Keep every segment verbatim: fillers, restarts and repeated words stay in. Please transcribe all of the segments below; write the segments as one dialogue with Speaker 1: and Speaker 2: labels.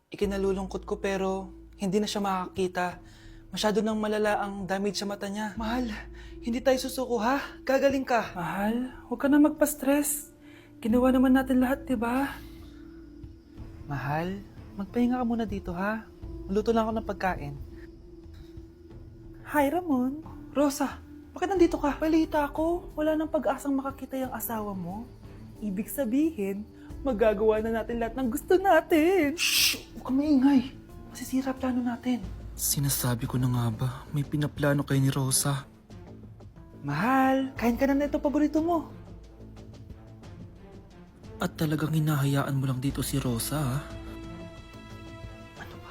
Speaker 1: Ikinalulungkot ko pero hindi na siya makakita. Masyado nang malala ang damage sa mata niya. Mahal, hindi tayo susuko ha? Gagaling ka. Mahal, huwag ka na magpa-stress. Ginawa naman natin lahat, di ba? Mahal, magpahinga ka muna dito ha? Maluto lang ako ng pagkain. Hi, Ramon. Rosa, bakit nandito ka? Balita ko, wala nang pag-asang makakita yung asawa mo. Ibig sabihin, magagawa na natin lahat ng gusto natin. Shh! Huwag ka maingay. Masisira plano natin. Sinasabi ko na nga ba, may pinaplano kayo ni Rosa. Mahal, kain ka na na ito paborito mo. At talagang hinahayaan mo lang dito si Rosa, ha? Ano ba?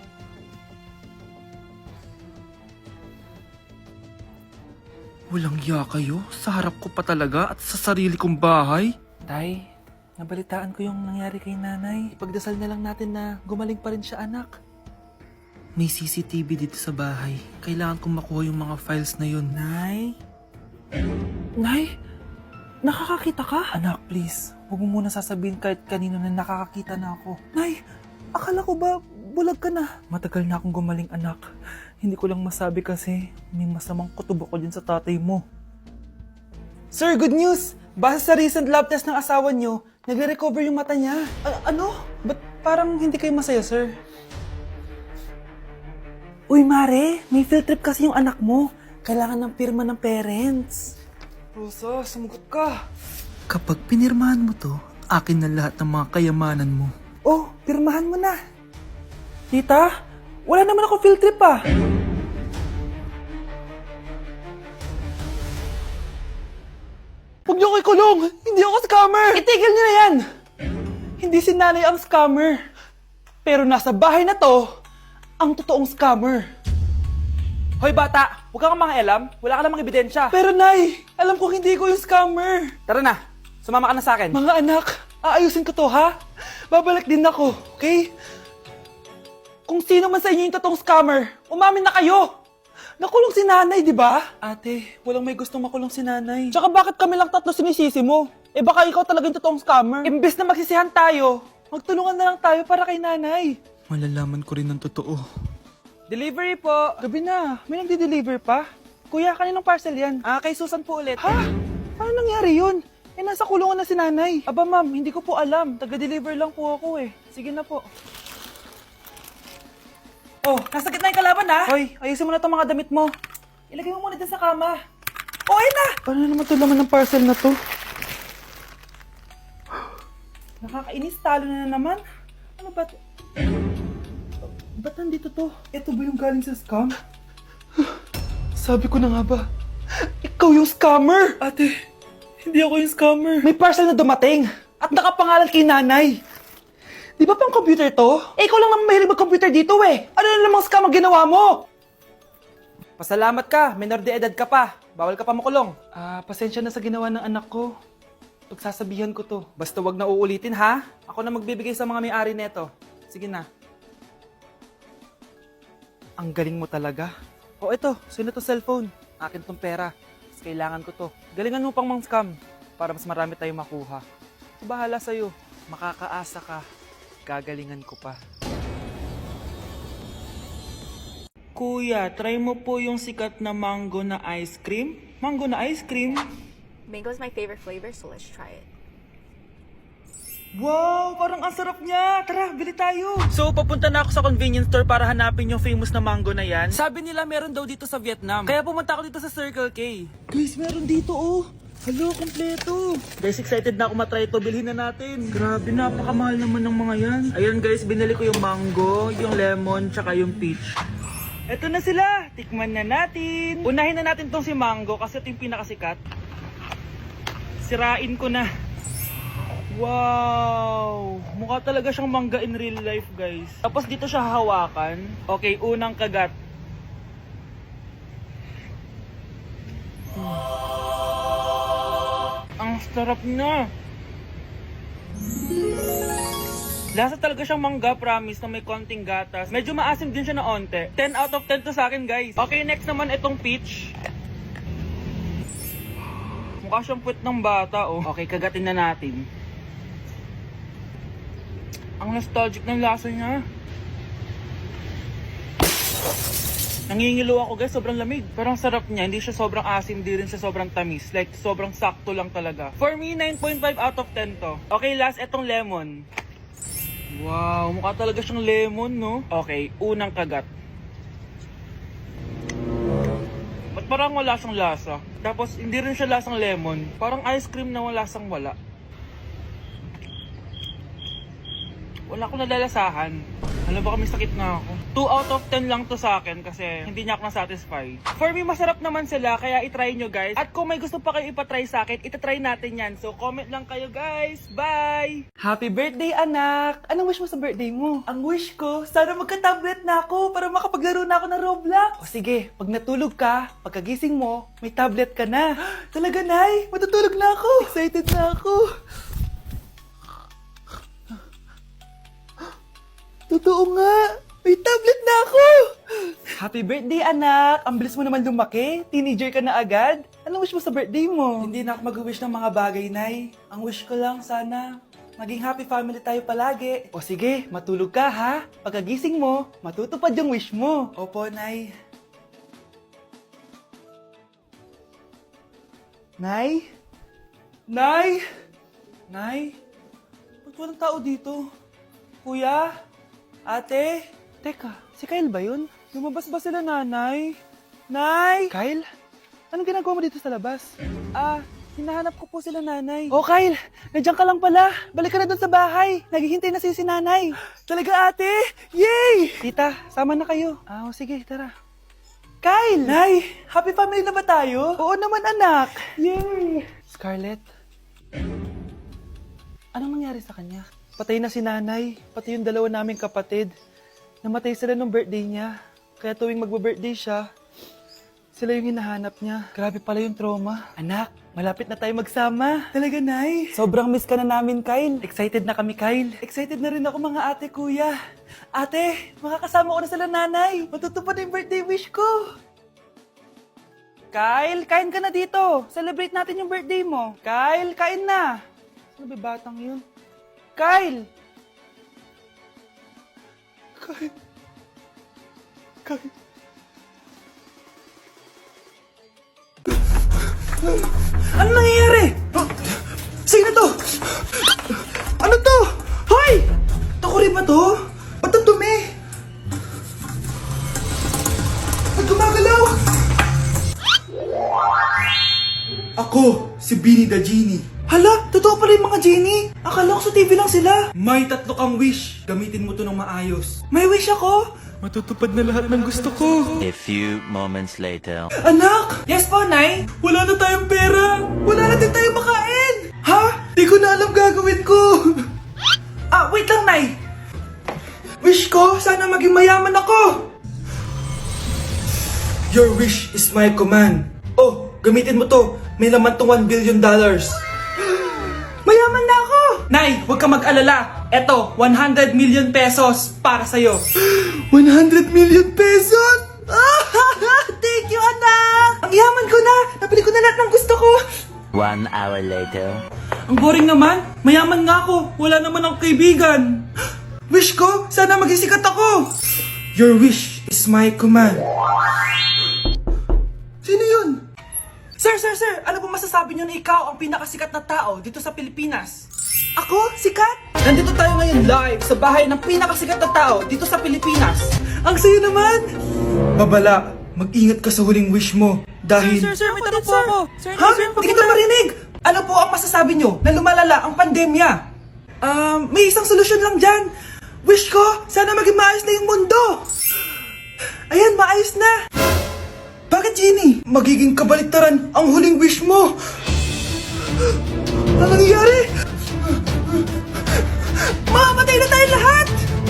Speaker 1: Walang iya kayo? Sa harap ko pa talaga at sa sarili kong bahay? Tay, nabalitaan ko yung nangyari kay nanay. Ipagdasal na lang natin na gumaling pa rin siya, anak. May C C T V dito sa bahay. Kailangan kong makuha yung mga files na yun. Nay? Nay? Nakakakita ka? Anak, please. Huwag mo muna sasabihin kahit kanino na nakakakita na ako. Nay, akala ko ba bulag ka na? Matagal na akong gumaling, anak. Hindi ko lang masabi kasi may masamang kutob ako dyan sa tatay mo. Sir, good news! Base sa recent lab test ng asawa niyo, nagre-recover yung mata niya. A- ano? Ba't parang hindi kayo masaya, sir? Uy, Mare, may field trip kasi yung anak mo. Kailangan ng pirma ng parents. Rosa, sumagot ka. Kapag pinirmahan mo to, akin na lahat ng mga kayamanan mo. Oh, pirmahan mo na. Tita, wala naman ako field trip ah. Huwag niyo ko ikulong! Hindi ako scammer! Itigil niyo na yan! Hindi si nanay ang scammer. Pero nasa bahay na to, ang totoong scammer. Hoy bata, huwag kang mangialam. Wala ka namang ebidensya. Pero nay, alam ko hindi ko yung scammer. Tara na, sumama ka na sa akin. Mga anak, aayusin ko to ha? Babalik din ako, okay? Kung sino man sa inyo yung totoong scammer, umamin na kayo. Nakulong si nanay, di ba? Ate, walang may gustong makulong si nanay. Tsaka bakit kami lang tatlo sinisisi mo? Eh baka ikaw talaga yung totoong scammer. Imbes na magsisihan tayo, magtulungan na lang tayo para kay nanay. Malalaman ko rin ng totoo. Delivery po. Gabi na. May nagde-deliver pa? Kuya, kaninong parcel yan? Ah, kay Susan po ulit. Ha? Paano nangyari yun? Eh, nasa kulungan na si nanay. Aba ma'am, hindi ko po alam. Taga-deliver lang po ako eh. Sige na po. Oh, nasa gitna yung kalaban ha? Hoy, ayusin mo na itong mga damit mo. Ilagay mo muna dyan sa kama. Oh, ayun na! Paano naman ito laman ng parcel na to? Nakakainis, talo na naman. Ano ba? Ba't nandito to? Ito ba yung galing sa scam? Sabi ko na nga ba, ikaw yung scammer! Ate, hindi ako yung scammer. May parcel na dumating at nakapangalan kay nanay. Di ba pang computer to? Eh, ikaw lang naman mahilig mag-computer dito eh. Ano na namang scam ang ginawa mo? Pasalamat ka, minor de edad ka pa. Bawal ka pa makulong. Ah, pasensya na sa ginawa ng anak ko. Pagsasabihan ko to. Basta wag na uulitin ha. Ako na magbibigay sa mga may-ari neto. Sige na. Ang galing mo talaga. O ito, sino to cellphone? Akin tong pera. Mas kailangan ko to. Galingan mo pang mang scam para mas marami tayong makuha. So, bahala sa'yo. Makakaasa ka. Gagalingan ko pa. Kuya, try mo po yung sikat na mango na ice cream. Mango na ice cream?
Speaker 2: Mango is my favorite flavor, so let's try it.
Speaker 1: Wow, parang ang sarap niya. Tara, bili tayo. So, papunta na ako sa convenience store para hanapin yung famous na mango na yan. Sabi nila meron daw dito sa Vietnam. Kaya pumunta ako dito sa Circle K. Guys, meron dito oh. Hello, kompleto. Guys, excited na ako matry ito. Bilhin na natin. Grabe, napakamahal naman ng mga yan. Ayun guys, binili ko yung mango, yung lemon, tsaka yung peach. Eto na sila. Tikman na natin. Unahin na natin tong si mango kasi ito yung pinakasikat. Sirain ko na. Wow! Mukha talaga siyang mangga in real life, guys. Tapos dito siya hahawakan. Okay, unang kagat. Hmm. Ang sarap na! Lasa talaga siyang mangga, promise, na may konting gatas. Medyo maasim din siya na onte. ten out of ten to sa akin, guys. Okay, next naman itong peach. Mukha siyang puwet ng bata, oh. Okay, kagatin na natin. Ang nostalgic ng lasa niya. Nangingilo ako guys, sobrang lamig. Parang sarap niya, hindi siya sobrang asim, hindi rin siya sobrang tamis. Like, sobrang sakto lang talaga. For me, nine point five out of ten to. Okay, last, etong lemon. Wow, mukha talaga siyang lemon, no? Okay, unang kagat. Ba't parang wala siyang lasa? Tapos, hindi rin siya lasang lemon. Parang ice cream na wala lasang wala. Wala akong nalalasahan. Alam ba kami sakit na ako. two out of ten lang to sa akin kasi hindi niya ako na-satisfy. For me, masarap naman sila kaya itry nyo guys. At kung may gusto pa kayo ipatry sa akin, itatry natin yan. So comment lang kayo guys. Bye! Happy birthday anak! Anong wish mo sa birthday mo? Ang wish ko, sana magka-tablet na ako para makapaglaro na ako ng Roblox. O sige, pag natulog ka, pagkagising mo, may tablet ka na. Talaga Nay, matutulog na ako. Excited na ako. Totoo nga! May tablet na ako! Happy birthday, anak! Ang bilis mo naman lumaki. Teenager ka na agad. Anong wish mo sa birthday mo? Hindi na ako mag-wish ng mga bagay, Nay. Ang wish ko lang, sana maging happy family tayo palagi. O sige, matulog ka, ha? Pagkagising mo, matutupad yung wish mo. Opo, Nay. Nay? Nay? Nay? Ba't walang tao dito? Kuya? Ate? Teka, si Kyle ba yun? Lumabas ba sila nanay? Nay? Kyle? Anong ginagawa mo dito sa labas? Ah, hinahanap ko po sila nanay. Oh Kyle, nandiyan ka lang pala. Balik ka na doon sa bahay. Naghihintay na si si nanay. Talaga ate? Yay! Tita, sama na kayo. Ah, oh, sige, tara. Kyle! Nay, happy family na ba tayo? Oo naman anak. Yay! Scarlett? Anong nangyari sa kanya? Patay na si nanay, pati yung dalawa naming kapatid. Namatay sila nung birthday niya. Kaya tuwing magbe-birthday siya, sila yung hinahanap niya. Grabe pala yung trauma. Anak, malapit na tayo magsama. Talaga, Nay. Sobrang miss ka na namin, Kyle. Excited na kami, Kyle. Excited na rin ako mga ate, kuya. Ate, makakasama ko na sila nanay. Matutupad na yung birthday wish ko. Kyle, kain ka na dito. Celebrate natin yung birthday mo. Kyle, kain na. Sino ba batang yun? Kyle! Kyle. Kyle. Ano nangyayari? Huh? Sino to? Ano to? Hoy! Takuri ba to? Ba't ang dumi? Ba't gumagalaw? Ako, si Beanie the Genie. Hala, totoo pala yung mga genie. Akala ko sa T V lang sila. May tatlo kang wish. Gamitin mo to ng maayos. May wish ako? Matutupad na lahat ng gusto ko.
Speaker 3: A few moments later.
Speaker 1: Anak! Yes po, Nay? Wala na tayong pera. Wala na din tayong makain. Ha? Di ko na alam gagawin ko. Ah, wait lang, Nay. Wish ko, sana maging mayaman ako. Your wish is my command. Oh, gamitin mo to. May laman tong one billion dollars. Mayaman na ako! Nay, huwag ka mag-alala. Eto, one hundred million pesos para sa'yo. one hundred million pesos? Thank you, anak! Ang yaman ko na! Nabili ko na lahat ng gusto ko!
Speaker 3: One hour later.
Speaker 1: Ang boring naman. Mayaman nga ako. Wala naman akong kaibigan. Wish ko, sana maging sikat ako. Your wish is my command. Sino yun? Sir, sir, sir, ano po masasabi niyo na ikaw ang pinakasikat na tao dito sa Pilipinas? Ako? Sikat? Nandito tayo ngayon live sa bahay ng pinakasikat na tao dito sa Pilipinas. Ang sayo naman! Babala, mag-ingat ka sa huling wish mo dahil...
Speaker 4: Sir, sir, sir, may tanong po ako. Sir,
Speaker 1: Ha?
Speaker 4: sir,
Speaker 1: Hindi kita marinig! Ano po ang masasabi niyo na lumalala ang pandemya? Um, may isang solusyon lang dyan. Wish ko, sana maging maayos na yung mundo. Ayan, maayos na. Bakit, Genie? Magiging kabaliktaran ang huling wish mo. Ano nangyayari? Mamamatay na tayo lahat!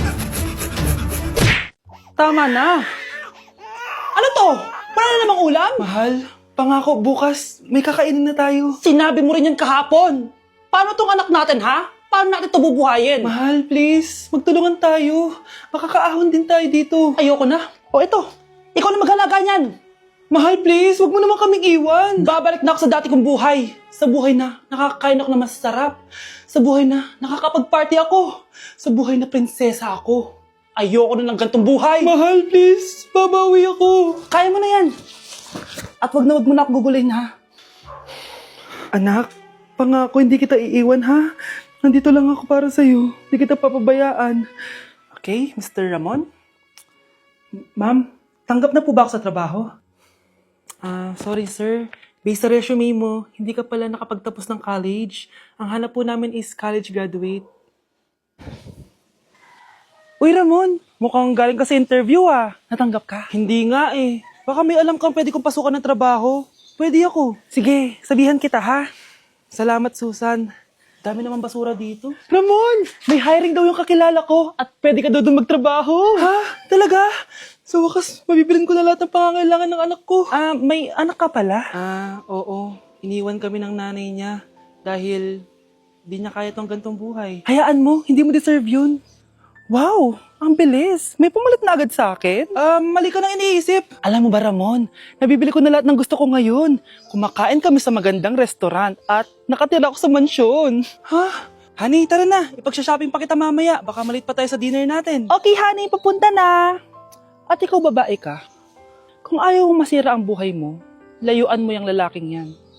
Speaker 1: Tama na. Ano to? Wala na namang ulam? Mahal, pangako bukas may kakainin na tayo.
Speaker 4: Sinabi mo rin yan kahapon. Paano tong anak natin, ha? Paano natin ito bubuhayin?
Speaker 1: Mahal, please. Magtulungan tayo. Makakaahon din tayo dito.
Speaker 4: Ayoko na. O ito, ikaw na maghalaga niyan.
Speaker 1: Mahal, please, wag mo naman kaming iwan.
Speaker 4: Babalik na ako sa dati kong buhay. Sa buhay na nakakain ako na masarap. Sa buhay na nakakapag-party ako. Sa buhay na prinsesa ako. Ayoko na ng gantong buhay.
Speaker 1: Mahal, please, babawi ako.
Speaker 4: Kaya mo na yan. At wag na wag mo na ako gugulin, ha?
Speaker 1: Anak, pangako hindi kita iiwan, ha? Nandito lang ako para sa'yo. Hindi kita papabayaan.
Speaker 4: Okay, Mister Ramon? Ma'am, tanggap na po ba ako sa trabaho?
Speaker 1: Ah, sorry sir. Based sa resume mo, hindi ka pala nakapagtapos ng college. Ang hanap po namin is college graduate. Uy Ramon, mukhang galing ka sa interview ah.
Speaker 4: Natanggap ka?
Speaker 1: Hindi nga eh. Baka may alam kang pwede kong pasukan ng trabaho. Pwede ako. Sige, sabihan kita ha. Salamat Susan.
Speaker 4: Dami naman basura dito.
Speaker 1: Ramon, may hiring daw yung kakilala ko at pwede ka daw doon magtrabaho. Ha? Talaga? Sa wakas, mabibilin ko na lahat ng pangangailangan ng anak ko.
Speaker 4: Ah, may anak ka pala?
Speaker 1: Ah, oo. Iniwan kami ng nanay niya dahil di niya kaya tong gantong buhay. Hayaan mo, hindi mo deserve yun. Wow, ang bilis. May pumalit na agad sa akin. Ah, mali ka nang iniisip. Alam mo ba Ramon, nabibili ko na lahat ng gusto ko ngayon. Kumakain kami sa magandang restaurant at nakatira ako sa mansyon. Ha? Honey, tara na. Ipag-shopping pa kita mamaya. Baka malit pa tayo sa dinner natin.
Speaker 4: Okay, honey, papunta na. At ikaw babae ka, kung ayaw mong masira ang buhay mo, layuan mo yung lalaking yan.